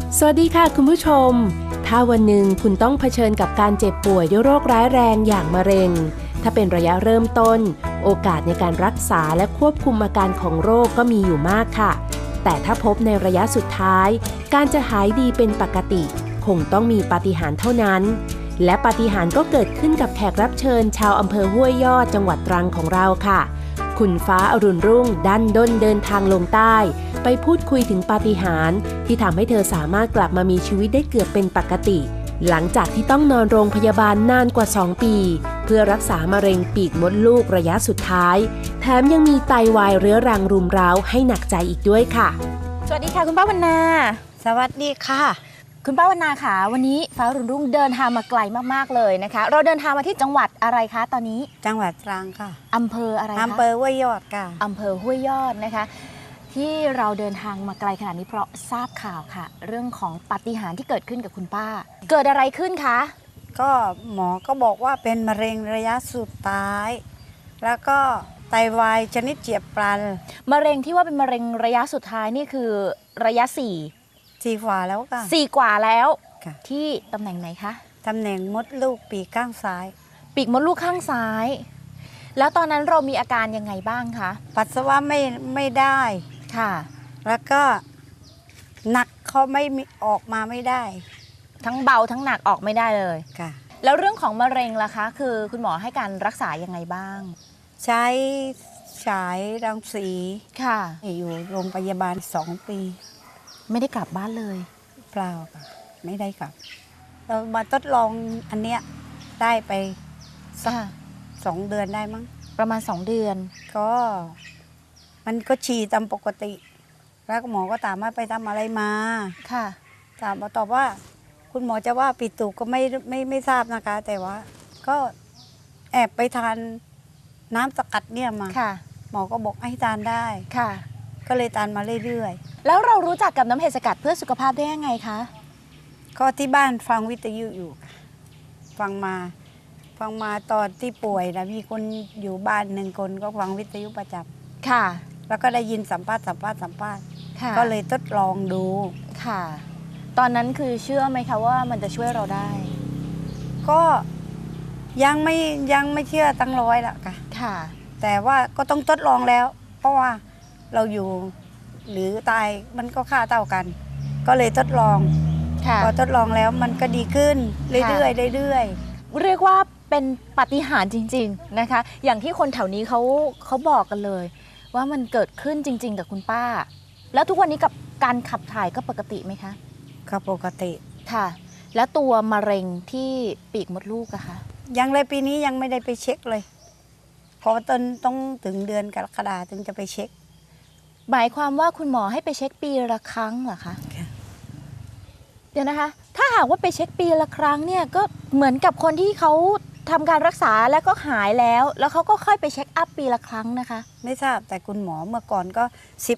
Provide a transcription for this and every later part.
สวัสดีค่ะคุณผู้ชมถ้าวันหนึ่งคุณต้องเผชิญกับการเจ็บป่วยด้วยโรคร้ายแรงอย่างมะเร็งถ้าเป็นระยะเริ่มต้นโอกาสในการรักษาและควบคุมอาการของโรคก็มีอยู่มากค่ะแต่ถ้าพบในระยะสุดท้ายการจะหายดีเป็นปกติคงต้องมีปาฏิหาริย์เท่านั้นและปาฏิหาริย์ก็เกิดขึ้นกับแขกรับเชิญชาวอำเภอห้วยยอดจังหวัดตรังของเราค่ะคุณฟ้าอรุณรุ่งดันด้นเดินทางลงใต้ไปพูดคุยถึงปาฏิหาริย์ที่ทำให้เธอสามารถกลับมามีชีวิตได้เกือบเป็นปกติหลังจากที่ต้องนอนโรงพยาบาลนานกว่า2 ปีเพื่อรักษามะเร็งปีกมดลูกระยะสุดท้ายแถมยังมีไตวายเรื้อรังรุมเร้าให้หนักใจอีกด้วยค่ะสวัสดีค่ะคุณป้าวรรณาสวัสดีค่ะคุณป้าวรรณาค่ะวันนี้ฟ้าอรุณรุ่งเดินทางมาไกลมากๆเลยนะคะเราเดินทางมาที่จังหวัดอะไรคะตอนนี้จังหวัดตรังค่ะอำเภออะไรคะอำเภอห้วยยอดค่ะอำเภอห้วยยอดนะคะที่เราเดินทางมาไกลขนาดนี้เพราะทราบข่าวค่ะเรื่องของปาฏิหาริย์ที่เกิดขึ้นกับคุณป้าเกิดอะไรขึ้นคะก็หมอก็บอกว่าเป็นมะเร็งระยะสุดท้ายแล้วก็ไตวายชนิดเฉียบพลันมะเร็งที่ว่าเป็นมะเร็งระยะสุดท้ายนี่คือระยะ 4กว่าแล้วค่ะ 4กว่าแล้วที่ตำแหน่งไหนคะตำแหน่งมดลูกปีกข้างซ้ายปีกมดลูกข้างซ้ายแล้วตอนนั้นเรามีอาการยังไงบ้างคะปัสสาวะไม่ได้ค่ะแล้วก็หนักเขาไม่ออกมาไม่ได้ทั้งเบาทั้งหนักออกไม่ได้เลยค่ะแล้วเรื่องของมะเร็งล่ะคะคือคุณหมอให้การรักษายังไงบ้างใช้ฉายรังสีค่ะอยู่โรงพยาบาล2 ปีไม่ได้กลับบ้านเลยเปล่าค่ะไม่ได้กลับเรามาทดลองอันเนี้ยได้ไปสัก2 เดือนได้มั้งประมาณ2 เดือนก็มันก็ฉี่ตามปกติแล้วหมอก็ถามว่าไปทำอะไรมาค่ะถามมาตอบว่าคุณหมอจะว่าปิดตูกก็ไม่ทราบนะคะแต่ว่าก็แอบไปทานน้ำสกัดเนี่ยมาหมอก็บอกให้ทานได้ค่ะก็เลยทานมาเรื่อยๆแล้วเรารู้จักกับน้ำเห็ดสกัดเพื่อสุขภาพได้ยังไงคะก็ที่บ้านฟังวิทยุอยู่ฟังมาตอนที่ป่วยนะมีคนอยู่บ้าน1 คนก็ฟังวิทยุประจำค่ะแล้วก็ได้ยินสัมภาษณ์ก็เลยทดลองดูค่ะตอนนั้นคือเชื่อไหมคะว่ามันจะช่วยเราได้ก็ยังไม่เชื่อตั้ง100ละค่ะแต่ว่าก็ต้องทดลองแล้วเพราะว่าเราอยู่หรือตายมันก็ค่าเท่ากันก็เลยทดลองพอทดลองแล้วมันก็ดีขึ้นเรื่อยๆเรียกว่าเป็นปาฏิหาริย์จริงๆนะคะอย่างที่คนแถวนี้เขาบอกกันเลยว่ามันเกิดขึ้นจริงๆกับคุณป้าแล้วทุกวันนี้กับการขับถ่ายก็ปกติไหมคะก็ปกติค่ะแล้วตัวมะเร็งที่ปีกมดลูกอะคะยังเลยปีนี้ยังไม่ได้ไปเช็คเลยเพราะต้องถึงเดือนกรกฎาคมถึงจะไปเช็คหมายความว่าคุณหมอให้ไปเช็คปีละครั้งเหรอคะเดี๋ยวนะคะถ้าหากว่าไปเช็คปีละครั้งเนี่ยก็เหมือนกับคนที่เขาทำการรักษาแล้วก็หายแล้วเขาก็ค่อยไปเช็คอัพปีละครั้งนะคะไม่ทราบแต่คุณหมอเมื่อก่อนก็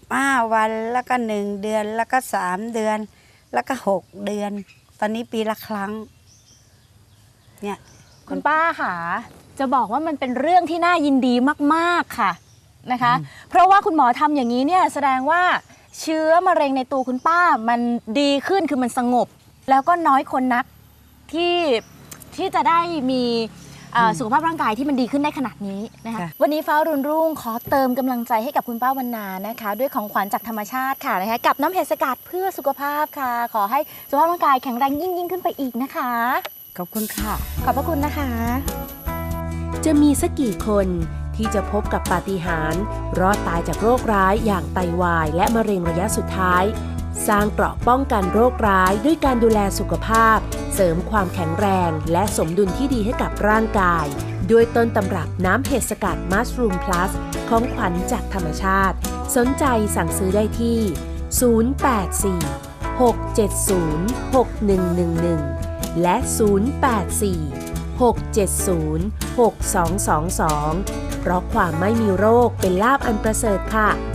15 วันแล้วก็1 เดือนแล้วก็3 เดือนแล้วก็6 เดือนตอนนี้ปีละครั้งเนี่ยคุณป้าค่ะจะบอกว่ามันเป็นเรื่องที่น่ายินดีมากๆค่ะนะคะเพราะว่าคุณหมอทำอย่างนี้เนี่ยแสดงว่าเชื้อมะเร็งในตัวคุณป้ามันดีขึ้นคือมันสงบแล้วก็น้อยคนนักที่จะได้มีสุขภาพร่างกายที่มันดีขึ้นได้ขนาดนี้นะคะวันนี้ฟ้ารุ่นรุ่งขอเติมกำลังใจให้กับคุณป้าวรรณานะคะด้วยของขวัญจากธรรมชาติค่ะนะคะกับน้ำเห็ดสกัดเพื่อสุขภาพค่ะขอให้สุขภาพร่างกายแข็งแรงยิ่งขึ้นไปอีกนะคะขอบคุณค่ะขอบพระคุณนะคะจะมีสักกี่คนที่จะพบกับปาฏิหาริย์รอดตายจากโรคร้ายอย่างไตวายและมะเร็งระยะสุดท้ายสร้างเกราะป้องกันโรคร้ายด้วยการดูแลสุขภาพเสริมความแข็งแรงและสมดุลที่ดีให้กับร่างกายด้วยต้นตำรับน้ำเห็ดสกัดมัสรูมพลัสของขวัญจากธรรมชาติสนใจสั่งซื้อได้ที่084-670-6111และ084-670-6222เพราะความไม่มีโรคเป็นลาภอันประเสริฐค่ะ